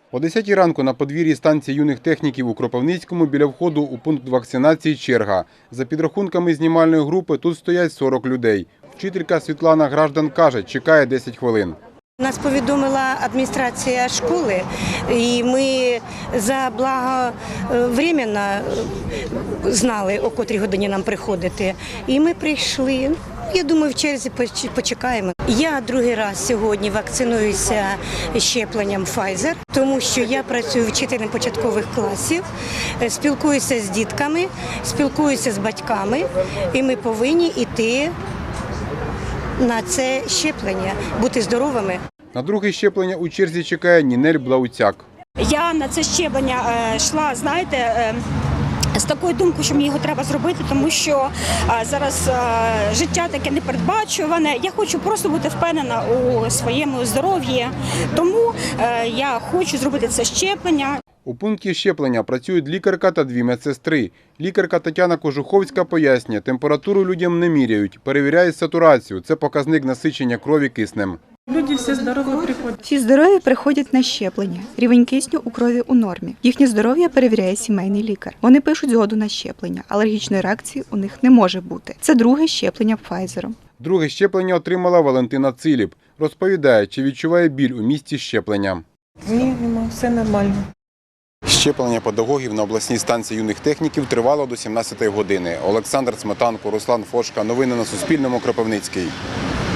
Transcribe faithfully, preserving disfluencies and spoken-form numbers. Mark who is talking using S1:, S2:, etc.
S1: О десятій ранку на подвір'ї станції юних техніків у Кропивницькому біля входу у пункт вакцинації черга. За підрахунками знімальної групи тут стоять сорок людей. Вчителька Світлана Граждан каже, чекає десять хвилин.
S2: Нас повідомила адміністрація школи, і ми заблаговременно знали, о котрій годині нам приходити. І ми прийшли. Я думаю, в черзі почекаємо. Я другий раз сьогодні вакцинуюся щепленням Pfizer, тому що я працюю вчителем початкових класів, спілкуюся з дітками, спілкуюся з батьками, і ми повинні йти на це щеплення, бути здоровими.
S1: На друге щеплення у черзі чекає Нінель Блауцяк.
S3: Я на це щеплення йшла, знаєте, з такою думкою, що мені його треба зробити, тому що зараз життя таке непередбачуване. Я хочу просто бути впевнена у своєму здоров'ї, тому я хочу зробити це щеплення.
S1: У пункті щеплення працюють лікарка та дві медсестри. Лікарка Тетяна Кожуховська пояснює, температуру людям не міряють, перевіряють сатурацію. Це показник насичення крові киснем.
S4: Люди всі здорові приходять.
S5: Всі здорові приходять на щеплення. Рівень кисню у крові у нормі. Їхнє здоров'я перевіряє сімейний лікар. Вони пишуть згоду на щеплення. Алергічної реакції у них не може бути. Це друге щеплення Pfizer.
S1: Друге щеплення отримала Валентина Циліп. Розповідає, чи відчуває біль у місці щеплення.
S4: Ні, нема, все нормально.
S1: Щеплення педагогів на обласній станції юних техніків тривало до сімнадцятої години. Олександр Сметанко, Руслан Фошка. Новини на Суспільному. Кропивницький.